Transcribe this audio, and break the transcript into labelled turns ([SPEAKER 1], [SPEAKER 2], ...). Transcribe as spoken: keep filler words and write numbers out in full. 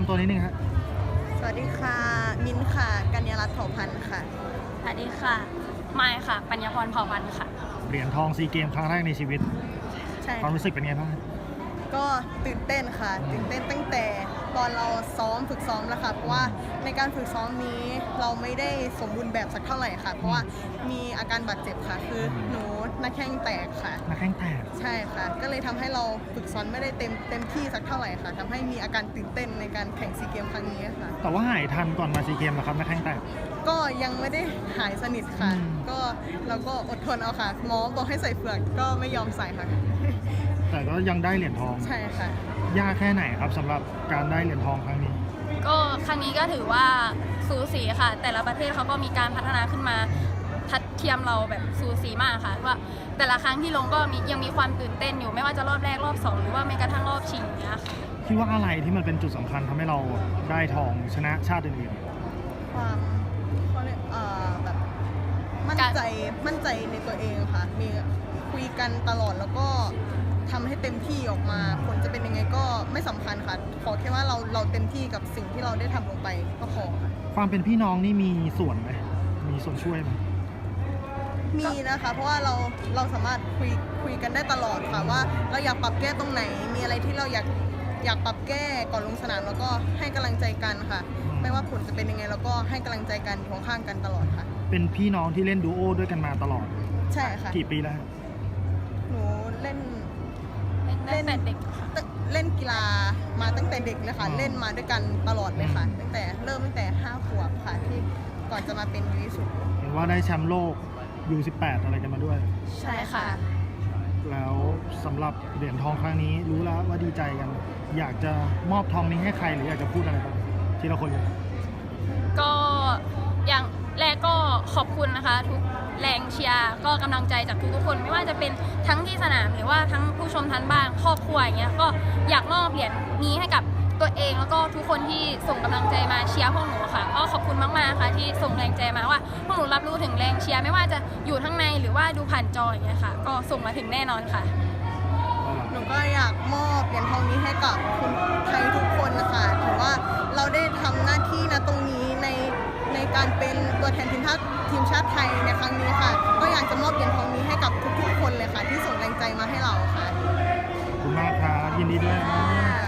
[SPEAKER 1] ำตัวนิดนึงครับ
[SPEAKER 2] สวัสดีค่ะมินค่ะกัญญารัตน์เผ่าพันธ์ค่ะ
[SPEAKER 3] สวัสดีค่ะไมค์ค่ะปัญญาพรเผ่าพันธ์ค่ะ
[SPEAKER 1] เหรียญทองซีเกมครั้งแรกในชีวิต
[SPEAKER 2] ใช่
[SPEAKER 1] ความรู้สึกเป็นไงบ้าง
[SPEAKER 2] ก็ตื่นเต้นค่ะตื่นเต้นตั้งแต่ตอนเราซ้อมฝึกซ้อมแล้วค่ะเพราะว่าในการฝึกซ้อมนี้เราไม่ได้สมบูรณ์แบบสักเท่าไหร่ค่ะเพราะว่ามีอาการบาดเจ็บค่ะคือหนูหน้าแข้งแตกค่ะ
[SPEAKER 1] หน้าแข้งแตก
[SPEAKER 2] ใช่ค่ะก็เลยทำให้เราฝึกซ้อมไม่ได้เต็มเต็มที่สักเท่าไหร่ค่ะทำให้มีอาการตื่นเต้นในการแข่งซีเกมครั้งนี้ค่ะ
[SPEAKER 1] แต่ว่าหายทันก่อนมาซีเกมเหรอครับหน้าแข้งแตก
[SPEAKER 2] ก็ยังไม่ได้หายสนิทค่ะก็เราก็อดทนเอาค่ะหมอบอกให้ใส่เฟือกก็ไม่ยอมใส่ค่ะ
[SPEAKER 1] แต่ก็ยังได้เหรียญทอง
[SPEAKER 2] ใช่ค่ะ
[SPEAKER 1] ยากแค่ไหนครับสำหรับการได้เหรียญทองครั้งนี้
[SPEAKER 3] ก็ครั้งนี้ก็ถือว่าสูสีค่ะแต่ละประเทศเขาก็มีการพัฒนาขึ้นมาทัดเทียมเราแบบสูสีมากค่ะว่าแต่ละครั้งที่ลงก็มียังมีความตื่นเต้นอยู่ไม่ว่าจะรอบแรกรอบสองหรือว่าแม้กระทั่งรอบชิงเนี้ยค่ะ
[SPEAKER 1] คิดว่าอะไรที่มันเป็นจุดสำคัญทำให้เราได้ทองชนะชาติอื่น
[SPEAKER 2] ๆความเขาเรียกเอ่อแบบมั่นใจมั่นใจในตัวเองค่ะมีคุยกันตลอดแล้วก็ทำให้เต็มที่ออกมาผลจะเป็นยังไงก็ไม่สำคัญค่ะขอแค่ว่าเราเราเต็มที่กับสิ่งที่เราได้ทำลงไปก็พอค่ะ
[SPEAKER 1] ความเป็นพี่น้องนี่มีส่วนไหมมีส่วนช่วยไหม
[SPEAKER 2] มีนะคะเพราะว่าเราเราสามารถคุยคุยกันได้ตลอดค่ะว่าเราอยากปรับแก้ตรงไหนมีอะไรที่เราอยากอยากปรับแก้ก่อนลงสนามแล้วก็ให้กำลังใจกันค่ะไม่ว่าผลจะเป็นยังไงเราก็ให้กำลังใจกันอยู่ข้างกันตลอดค่ะ
[SPEAKER 1] เป็นพี่น้องที่เล่นดูโอด้วยกันมาตลอด
[SPEAKER 2] ใช่ค่ะ
[SPEAKER 1] กี่ปีแล้ว
[SPEAKER 2] หนูเล่น
[SPEAKER 3] เล่นแต่เด็ก
[SPEAKER 2] เล่นกีฬามาตั้งแต่เด็กเลยค่ะเล่นมาด้วยกันตลอดเลยค่ะตั้งแต่เริ่มตั้งแต่ห้าขวบค่ะที่ก่อนจะมาเป็นยูยี่สิบ
[SPEAKER 1] เห็นว่าได้แชมป์โลก ยู สิบแปด อะไรกันมาด้วย
[SPEAKER 3] ใช่ค่ะ
[SPEAKER 1] แล้วสำหรับเหรียญทองครั้งนี้รู้แล้วว่าดีใจกันอยากจะมอบทองนี้ให้ใครหรืออยากจะพูดอะไรบ้างทีละคนเลย
[SPEAKER 3] ก็อย่างแรกก็ขอบคุณนะคะทุกแรงเชียร์ก็กำลังใจจากทุกๆคนไม่ว่าจะเป็นทั้งที่สนามหรือว่าทั้งผู้ชมทั้งบ้านครอบครัวอย่างเงี้ยก็อยากมอบเหรียญนี้ให้กับตัวเองแล้วก็ทุกคนที่ส่งกำลังใจมาเชียร์พวกหนูค่ะก็ขอบคุณมากๆค่ะที่ส่งแรงใจมาว่าพวกหนูรับรู้ถึงแรงเชียร์ไม่ว่าจะอยู่ทั้งในหรือว่าดูผ่านจออย่างเงี้ยค่ะก็ส่งมาถึงแน่นอนค่ะ
[SPEAKER 2] หนูก็อยากมอบเหรียญทองนี้ให้กับคนไทยทุกคนนะคะถือว่าเราได้ทำหน้าที่นะตรงนี้ในในการเป็นตัวแทนทีมชาติทีมชาติไทยในครั้งนี้ค่ะก็อยากจะมอบเหรียญทองนี้ให้กับทุกๆคนเลยค่ะที่ส่งแรงใจมาให้เราค่ะ
[SPEAKER 1] ขอบคุณมากครับยินดีด้วย